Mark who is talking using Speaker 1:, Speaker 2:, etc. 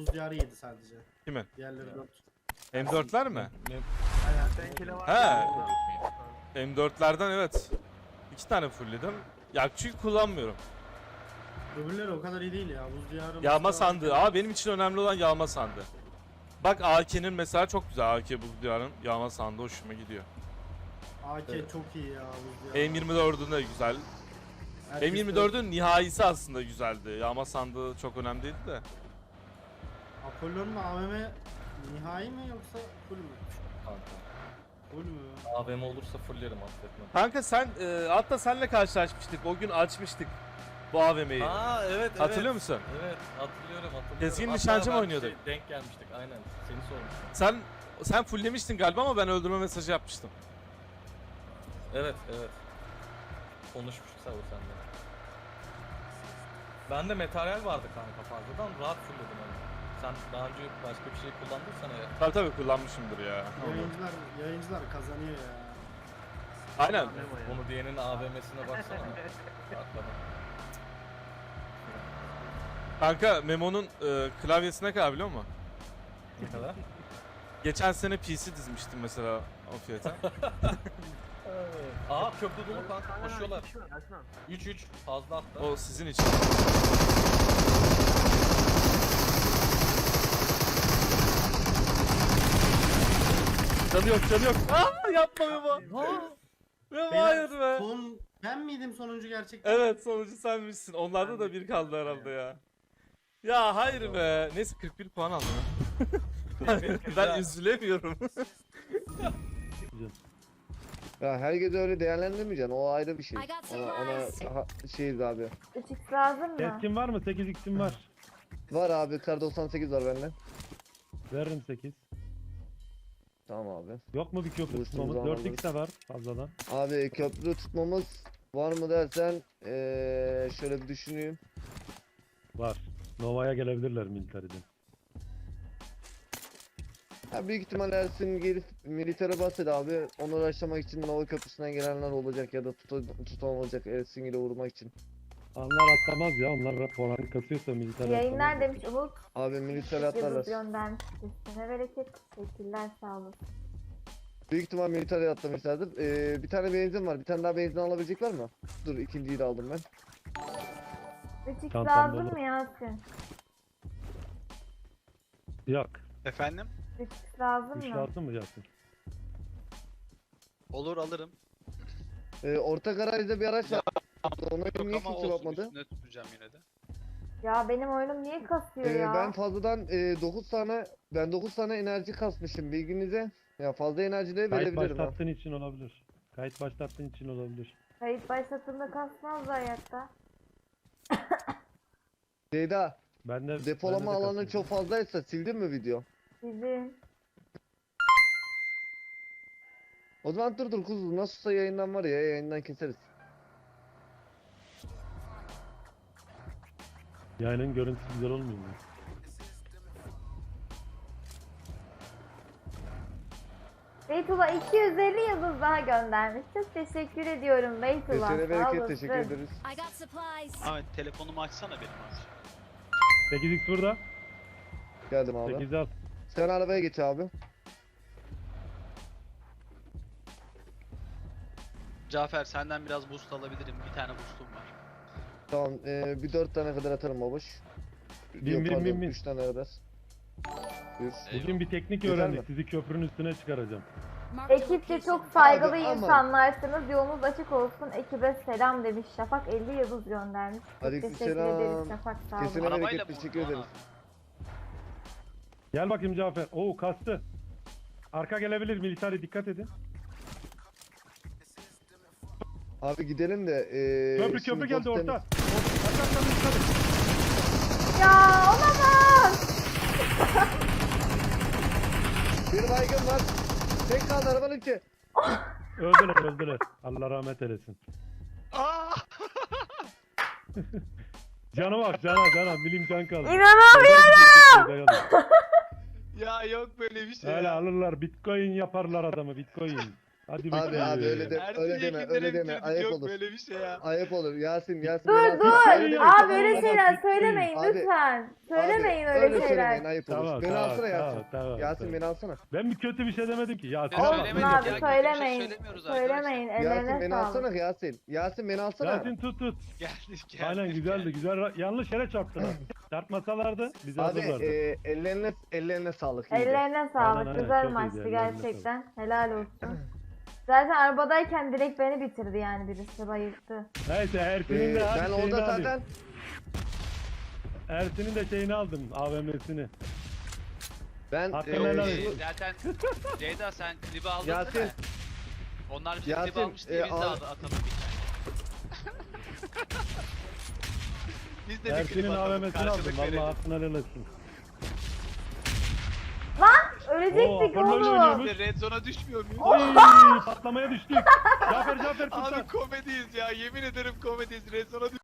Speaker 1: buz diyarı yedi sadece.
Speaker 2: Kimin?
Speaker 1: Diğerleri 4.
Speaker 2: M4'ler mi?
Speaker 3: Senkine var.
Speaker 2: He. M4'lerden evet. 2 tane fullledim. Ya çünkü kullanmıyorum.
Speaker 1: Öbürleri o kadar iyi değil ya. Buz diyarı.
Speaker 2: Yağma sandığı. Abi benim için önemli olan yağma sandığı. Bak AK'nin mesela çok güzel. AK buz diyarın yağma sandığı hoşuma gidiyor.
Speaker 1: AK çok iyi ya buz diyarı.
Speaker 2: M24'ün de güzel.
Speaker 1: Herkes de-
Speaker 2: M24'ün nihayesi aslında güzeldi. Yağma sandığı çok önemli değildi de.
Speaker 1: Apollo'nun AVM nihai mi yoksa full mü?
Speaker 4: Kanka.
Speaker 1: Full mü?
Speaker 4: AVM olursa fullerim affetme.
Speaker 2: Kanka sen hatta senle karşılaşmıştık. O gün açmıştık bu AVM'yi.
Speaker 4: Aa evet.
Speaker 2: Hatırlıyor musun?
Speaker 4: Evet hatırlıyorum.
Speaker 2: Keskin
Speaker 4: Hatta
Speaker 2: nişancı mı
Speaker 4: ben
Speaker 2: oynuyorduk?
Speaker 4: denk gelmiştik aynen. Seni sormuştum.
Speaker 2: Sen fulllemiştin galiba ama ben öldürme mesajı yapmıştım.
Speaker 4: Evet. Konuşmuştuk sabır sende. Bende materyal vardı kanka fazladan rahat fullledim onu. Sen daha önce başka bir şey kullandıysan eğer.
Speaker 2: Tabii kullanmışımdır ya.
Speaker 1: Yayıncılar kazanıyor ya.
Speaker 2: Aynen.
Speaker 4: Bunu diyenin AVM'sine baksana. Atladım.
Speaker 2: Kanka Memo'nun klavyesi ne kadar biliyor musun?
Speaker 4: Ne kadar?
Speaker 2: Geçen sene PC dizmiştim mesela o fiyata.
Speaker 4: Aa köprü dolu kanka koşuyorlar. 3 fazla hatta.
Speaker 2: O sizin için. Canı yok. Aa yapma Memo. Memo hayır be.
Speaker 1: Ben miydim sonuncu gerçekten?
Speaker 2: Evet sonucu senmişsin. Onlarda da bir kaldı herhalde ya. Ya hayır be. Neyse 41 puan aldım. Ben üzülemiyorum.
Speaker 5: Ya herkese öyle değerlendirmeyeceksin. O ayrı bir şey.
Speaker 6: I got
Speaker 5: Ona
Speaker 6: supplies.
Speaker 5: şeyiz abi.
Speaker 7: 3x lazım mı?
Speaker 8: Keskin var mı? 8x'im var.
Speaker 5: Var abi kar 98 var bende.
Speaker 8: Veririm 8.
Speaker 5: Tamam abi.
Speaker 8: Yok mu bir köprü
Speaker 5: Boost'umuzu
Speaker 8: tutmamız?
Speaker 5: almalıyız.
Speaker 8: 4x de var fazladan.
Speaker 5: Abi köprü tutmamız var mı dersen şöyle bir düşüneyim.
Speaker 8: Var. Nova'ya gelebilirler militariden.
Speaker 5: Ya büyük ihtimal Ersin gelip militere bahset abi. Onu uğraşlamak için Nova Köprüsü'nden gelenler olacak ya da tutan olacak Ersin ile vurmak için.
Speaker 8: Onlar atlamaz ya. Onlar puanı kasıyorsa militar
Speaker 7: Yayınlar
Speaker 8: atlamaz.
Speaker 7: demiş Umut.
Speaker 5: Abi militere
Speaker 7: Yıldız
Speaker 5: atlarlar.
Speaker 7: göndermiş. Üstüne bereket. Teşekkürler sağ olun.
Speaker 5: Büyük ihtimal militere atlamışlardır. Bir tane benzin var. Bir tane daha benzin alabilecek var mı? Dur ikinciyi de aldım ben.
Speaker 7: 3x
Speaker 8: Çantam
Speaker 7: lazım
Speaker 8: dolu.
Speaker 7: mı Yasin?
Speaker 8: Yok.
Speaker 3: Efendim?
Speaker 7: 3x lazım
Speaker 8: 3
Speaker 7: mı?
Speaker 8: lazım mı Yasin?
Speaker 3: Olur alırım.
Speaker 5: Orta garajda bir araç var. Ona
Speaker 3: Yok
Speaker 5: niye
Speaker 3: ama
Speaker 5: kimse
Speaker 3: olsun
Speaker 5: bakmadı?
Speaker 3: üstüne tutacağım yine de.
Speaker 7: Ya benim oyunum niye kasıyor ya?
Speaker 5: Ben fazladan 9 tane enerji kasmışım bilginize. Ya fazla enerji de
Speaker 8: Kayıt
Speaker 5: verebilirim ha.
Speaker 8: başlattığın için olabilir. Kayıt başlattığın için olabilir.
Speaker 7: Kayıt başlatımda kasmaz hayatta.
Speaker 5: Ceyda,
Speaker 8: Bende
Speaker 5: depolama
Speaker 8: bende de
Speaker 5: alanı
Speaker 8: kasıyor.
Speaker 5: çok fazlaysa sildin mi video?
Speaker 7: Sizin.
Speaker 5: O zaman dur kuzu nasılsa yayından var ya yayından keseriz.
Speaker 8: Yayının görüntüsü güzel olmuyor mu?
Speaker 7: Beytullah 250 yıldız daha göndermiş. Çok teşekkür ediyorum Beytullah.
Speaker 5: Kesene
Speaker 7: Sağ
Speaker 5: bereket
Speaker 7: olasın.
Speaker 5: teşekkür ederiz.
Speaker 6: I got supplies.
Speaker 3: Ahmet telefonumu açsana benim abi.
Speaker 8: 8x burada.
Speaker 5: Geldim abi.
Speaker 8: 8 al.
Speaker 5: Sen arabaya geç abi.
Speaker 3: Cafer senden biraz boost alabilirim. Bir tane boostum var.
Speaker 5: Tamam bir 4 tane kadar atarım babuş.
Speaker 8: Bin, bin.
Speaker 5: 3 tane kadar. Buyur.
Speaker 8: Bugün bir teknik
Speaker 5: Güzel
Speaker 8: öğrendik.
Speaker 5: mi?
Speaker 8: Sizi köprünün üstüne çıkaracağım.
Speaker 6: Marked a
Speaker 7: Ekipçe
Speaker 6: location.
Speaker 7: çok saygılı
Speaker 5: Abi, ama-
Speaker 7: insanlarsınız. Yolunuz açık olsun. Ekibe selam demiş. Şafak 50 yıldız göndermiş. Çok
Speaker 5: Aleykümselam.
Speaker 7: teşekkür ederiz Şafak sağ olun.
Speaker 5: Kesene
Speaker 3: Arabayla
Speaker 5: bereket
Speaker 3: mı
Speaker 5: teşekkür
Speaker 3: vurdun
Speaker 5: ederiz.
Speaker 8: Gel bakayım Cafer. Oo kastı. Arka gelebilir militari dikkat edin.
Speaker 5: Abi gidelim de
Speaker 8: Köprü
Speaker 5: şimdi
Speaker 8: geldi
Speaker 5: post
Speaker 8: orta.
Speaker 5: temiz.
Speaker 8: Arka militari.
Speaker 7: Ya olamaz.
Speaker 5: Bir baygın var. Tek kaldı arabanın içi.
Speaker 8: Öldüler. Allah rahmet eylesin.
Speaker 3: Aa!
Speaker 8: Cana bak cana. Milim can kaldı.
Speaker 7: İnanamıyorum.
Speaker 3: Ya yok böyle bir şey
Speaker 8: Öyle
Speaker 3: ya.
Speaker 8: alırlar bitcoin yaparlar adamı bitcoin. Hadi
Speaker 5: Abi
Speaker 8: bakayım.
Speaker 5: abi öyle de
Speaker 3: Ersin
Speaker 5: öyle deme
Speaker 3: Yekinlere
Speaker 5: öyle deme
Speaker 3: bitirdik,
Speaker 5: ayıp
Speaker 3: yok
Speaker 5: olur.
Speaker 3: böyle bir şey ya.
Speaker 5: Ayıp olur Yasin Yasin.
Speaker 7: Dur
Speaker 5: Yasin,
Speaker 7: dur.
Speaker 5: öyle deme,
Speaker 7: Abi
Speaker 5: tamam,
Speaker 7: öyle
Speaker 5: tamam.
Speaker 7: şeyler söylemeyin
Speaker 5: Abi,
Speaker 7: lütfen. Söylemeyin
Speaker 5: Abi,
Speaker 7: öyle
Speaker 5: söylemeyin
Speaker 7: şeyler.
Speaker 5: ayıp olur.
Speaker 8: Tamam,
Speaker 5: Beni
Speaker 8: tamam,
Speaker 5: alsana Yasin.
Speaker 8: tamam,
Speaker 5: Yasin
Speaker 8: tamam.
Speaker 5: beni alsana.
Speaker 8: Ben bir kötü bir şey demedim ki. Yasin
Speaker 3: Biz
Speaker 8: bak.
Speaker 3: söylemedik
Speaker 7: Olsun
Speaker 3: ya,
Speaker 7: abi
Speaker 3: kötü bir şey
Speaker 7: söylemeyin.
Speaker 3: söylemiyoruz arkadaşlar.
Speaker 7: Söylemeyin
Speaker 5: Yasin
Speaker 7: ellerine
Speaker 5: beni
Speaker 7: sağlık.
Speaker 5: alsana Yasin. Yasin beni alsana.
Speaker 8: Yasin tut.
Speaker 3: Geldik.
Speaker 8: Aynen güzeldi güzel. Yanlış yere çarptılar. Çarpmasalardı bizi
Speaker 5: Abi
Speaker 8: alırlardı.
Speaker 5: ellerine sağlık. iyiydi.
Speaker 7: Ellerine sağlık.
Speaker 8: aynen,
Speaker 7: Güzel
Speaker 8: çok
Speaker 7: maçtı
Speaker 8: iyiydi, ellerine
Speaker 7: gerçekten. Helal olsun. Zaten arabadayken direkt beni bitirdi yani birisi bayılttı.
Speaker 8: Neyse Ersin'in de hadi
Speaker 5: Ben
Speaker 8: şeyini
Speaker 5: orada
Speaker 8: alayım.
Speaker 5: zaten
Speaker 8: Ersin'in de şeyini aldım. AVM'sini.
Speaker 5: ben
Speaker 8: Hakkını helal et.
Speaker 3: Zaten Ceyda sen klibi aldın
Speaker 5: Yasin,
Speaker 3: değil mi? Onlar bize klip
Speaker 5: Yasin,
Speaker 3: almış diye biz de
Speaker 5: al-
Speaker 3: atalım bir tane. Biz de bir klip
Speaker 8: Ersin'in
Speaker 3: atalım.
Speaker 8: AVM'sini aldım.
Speaker 3: Karşılık
Speaker 8: Valla
Speaker 3: verelim.
Speaker 8: hakkını helal etsin.
Speaker 7: Ölecektik
Speaker 8: Apollo ile
Speaker 7: oğlum.
Speaker 8: oynuyormuş.
Speaker 3: Biz de Red Zone'a düşmüyor muyuz?
Speaker 8: Oy patlamaya düştük. Cafer kurtar.
Speaker 3: Abi komediyiz ya, yemin ederim komediyiz. Red Zone'a